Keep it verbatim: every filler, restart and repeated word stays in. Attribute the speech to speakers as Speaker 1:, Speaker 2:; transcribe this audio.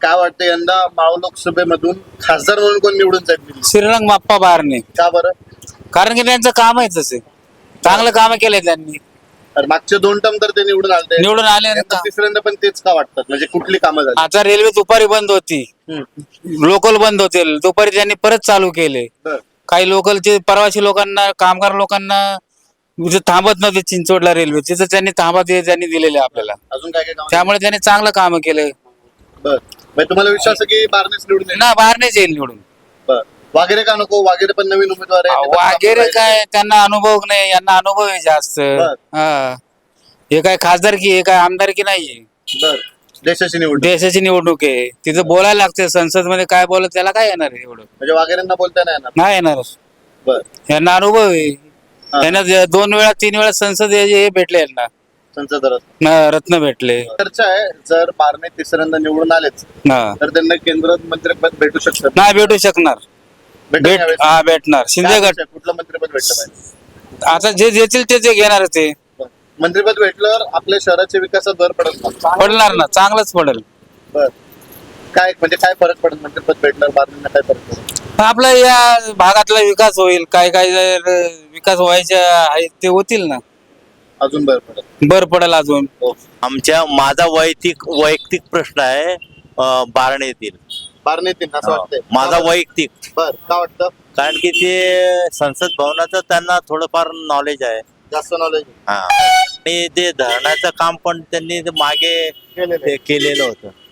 Speaker 1: काय वाटतं यंदा मावळ लोकसभेमधून खासदार म्हणून कोण निवडून जाईल?
Speaker 2: श्रीरंग बाप्पा बारणे.
Speaker 1: का बरं?
Speaker 2: कारण की त्यांचं काम आहे तसे, चांगलं काम केलंय त्यांनी.
Speaker 1: तर मागचे दोन टर्म तर ते निवडून आले,
Speaker 2: निवडून आले ना.
Speaker 1: यंदा तिसऱ्यांदा पण तेच का वाटतात? म्हणजे कुठली कामं झाली?
Speaker 2: आता रेल्वे दुपारी बंद होती,
Speaker 1: हम्म.
Speaker 2: लोकल बंद होते, दुपारी त्यांनी परत चालू केले.
Speaker 1: बरं.
Speaker 2: काही लोकलचे प्रवासी लोकांना, कामगार लोकांना इथे थांबत नव्हते चिंचवडला रेल्वे, तिथं त्यांनी थांबा दे- त्यांनी दिलेले आपल्याला.
Speaker 1: अजून काय काय काम?
Speaker 2: त्यामुळे त्यांनी चांगलं काम केलं
Speaker 1: बर म्हणजे तुम्हाला विश्वास आहे की बारणेच निवडून येईल?
Speaker 2: ना. बाहेरनेच येईल निवडून.
Speaker 1: बर. वागेरे का नको? वागेरे पण नवीन उमेदवार आहे.
Speaker 2: वगैरे काय त्यांना अनुभव नाही, यांना अनुभव आहे जास्त.
Speaker 1: बर.
Speaker 2: हा, हे काय खासदारकी, हे काय आमदारकी नाहीये.
Speaker 1: बर. देशाची निवडणूक
Speaker 2: देशाची निवडणूक आहे, तिथं बोलायला लागते. संसद मध्ये काय बोलत त्याला काय येणार आहे एवढं?
Speaker 1: म्हणजे वागेरेंना बोलता नाही येणार.
Speaker 2: नाही येणार.
Speaker 1: बर.
Speaker 2: यांना अनुभव आहे.
Speaker 1: हा.
Speaker 2: यांना जे दोन वेळा तीन वेळा संसद हे हे भेटले, यांना
Speaker 1: संसद रत्न.
Speaker 2: न- रत्न भेटले.
Speaker 1: चर्चा आहे जर बारणे तिसऱ्यांदा निवडून आलेच
Speaker 2: हा.
Speaker 1: तर त्यांना केंद्रात मंत्रिपद भेटू शकतं.
Speaker 2: नाही भेटू शकणार.
Speaker 1: भेटेल
Speaker 2: भेट
Speaker 1: यावेळेस?
Speaker 2: हा भेटणार. शिंदे
Speaker 1: काय
Speaker 2: गट
Speaker 1: अपेक्षा आहे? कुठलं मंत्रिपद भेटलं पाहिजे?
Speaker 2: आता जे देतील ते ते घेणार ते.
Speaker 1: बर. मंत्रिपद भेटल्यावर आपल्या शहराच्या विकासात भर पडत का?
Speaker 2: पडणार ना, चांगलंच पडेल.
Speaker 1: बर. काय म्हणजे काय फरक पडत मंत्रिपद भेटल्यावर बारण्यांना काय फरक पडत?
Speaker 2: आपला या भागातला विकास होईल. काय काय जर विकास व्हायचे आहेत ते होतील ना.
Speaker 1: अजून भर पडत.
Speaker 2: बर पडेल अजून.
Speaker 3: आमच्या माझा वैयक्तिक वैयक्तिक प्रश्न आहे, अं, बारणे येतील.
Speaker 1: बारणे येतील असं वाटतंय?
Speaker 3: माझा वैयक्तिक,
Speaker 1: बर. का वाटतं?
Speaker 3: कारण की ते संसद भवनाचं त्यांना थोडंफार नॉलेज आहे.
Speaker 1: जास्त नॉलेज
Speaker 3: हा, आणि ते धरणाचं काम पण त्यांनी ते मागे
Speaker 1: केलेलं
Speaker 3: ते केलेलं होतं.